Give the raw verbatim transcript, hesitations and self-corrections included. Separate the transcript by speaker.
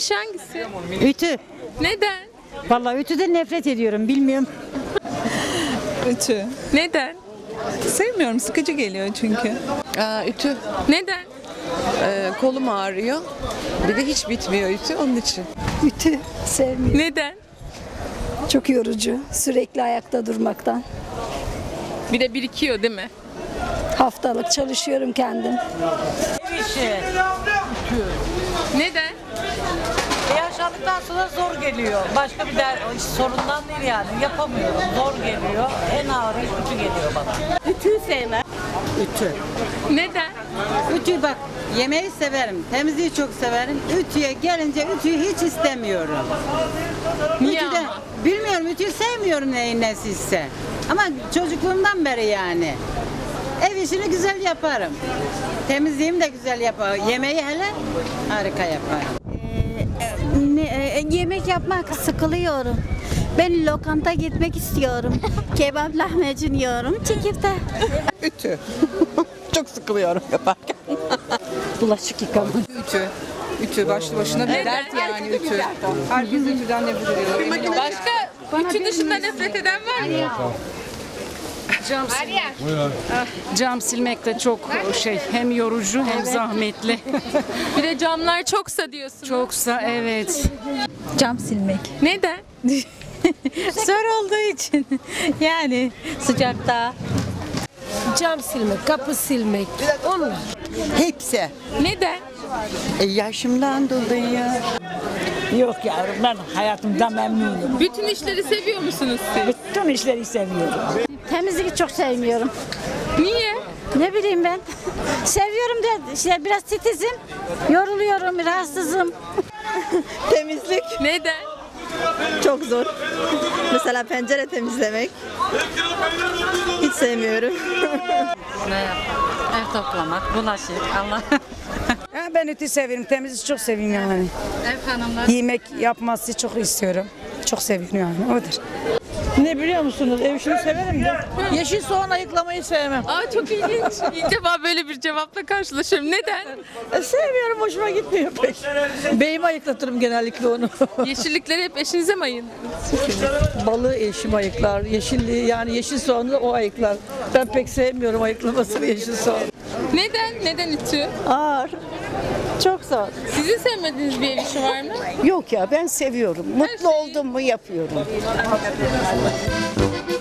Speaker 1: işi hangisi?
Speaker 2: Ütü.
Speaker 1: Neden?
Speaker 2: Vallahi ütüden nefret ediyorum, bilmiyorum.
Speaker 3: Ütü.
Speaker 1: Neden?
Speaker 3: Sevmiyorum, sıkıcı geliyor çünkü.
Speaker 4: Aa, ütü.
Speaker 1: Neden?
Speaker 4: Ee, kolum ağrıyor. Bir de hiç bitmiyor ütü onun için.
Speaker 5: Ütü sevmiyorum.
Speaker 1: Neden?
Speaker 5: Çok yorucu. Sürekli ayakta durmaktan.
Speaker 1: Bir de birikiyor değil mi?
Speaker 5: Haftalık çalışıyorum kendim.
Speaker 1: Neden?
Speaker 6: Yaşlandıktan sonra zor geliyor. Başka bir der, sorundan değil yani. Yapamıyorum. Zor geliyor. En ağır iş ütü geliyor bana.
Speaker 2: Ütüyü sevmem. Ütü.
Speaker 1: Neden?
Speaker 2: Ütü bak, yemeği severim, temizliği çok severim. Ütüye gelince ütüyü hiç istemiyorum.
Speaker 1: Niye
Speaker 2: Ütüde,
Speaker 1: ama?
Speaker 2: bilmiyorum, ütüyü sevmiyorum neyin nesiyse. Ama çocukluğumdan beri yani. Ev işini güzel yaparım. Temizliğimi de güzel yaparım. Yemeği hele harika yaparım.
Speaker 7: Ne, e, yemek yapmak sıkılıyorum. Ben lokanta gitmek istiyorum. Kebap lahmacun yiyorum. Çekirte.
Speaker 4: Ütü. Çok sıkılıyorum yaparken.
Speaker 2: Bulaşık yıkama.
Speaker 3: Ütü. Ütü başlı başına bir dert yani ütü. Herkes ütüden nefret ediyor.
Speaker 1: Başka ütü dışında nefret eden var mı?
Speaker 8: Cam silmek de çok şey, hem yorucu hem zahmetli.
Speaker 1: Bir de camlar çoksa diyorsunuz.
Speaker 8: Çoksa evet.
Speaker 7: Cam silmek.
Speaker 1: Neden?
Speaker 7: Zor olduğu için. Yani sıcakta.
Speaker 9: Cam silmek, kapı silmek. Onlar.
Speaker 4: Hepsi.
Speaker 1: Neden?
Speaker 4: E, yaşımdan dolayı.
Speaker 6: Yok yavrum, ben hayatımdan memnunum.
Speaker 1: Bütün işleri seviyor musunuz siz?
Speaker 6: Bütün işleri seviyorum.
Speaker 7: Temizliği çok sevmiyorum.
Speaker 1: Niye?
Speaker 7: Ne bileyim ben. Seviyorum da işte biraz titizim. Yoruluyorum, rahatsızım.
Speaker 4: Temizlik
Speaker 1: Neden?
Speaker 4: çok zor. Mesela pencere temizlemek. Hiç sevmiyorum.
Speaker 6: Ev toplamak, bulaşık, Allah.
Speaker 2: Ya ben ütü severim, temizliği çok seviyorum yani.
Speaker 1: Ev hanımlar.
Speaker 2: Yemek yapması çok istiyorum. Çok seviyorum yani, odur.
Speaker 6: Ne biliyor musunuz? Ev işini severim de. Yeşil soğan ayıklamayı sevmem.
Speaker 1: Aa çok ilginç. İlk defa böyle bir cevapla karşılaşıyorum. Neden?
Speaker 6: E, sevmiyorum, hoşuma gitmiyor pek. Beyime ayıklatırım genellikle onu.
Speaker 1: Yeşillikleri hep eşinize mi ayırıyorsunuz?
Speaker 6: Balığı eşim ayıklar, yeşilliği yani yeşil soğanı da o ayıklar. Ben pek sevmiyorum ayıklamasını yeşil soğan.
Speaker 1: Neden? Neden ütü?
Speaker 4: Ağır. Çok zor.
Speaker 1: Sizin sevmediğiniz bir ev işi var mı?
Speaker 4: Yok ya, ben seviyorum. Mutlu oldum mu yapıyorum.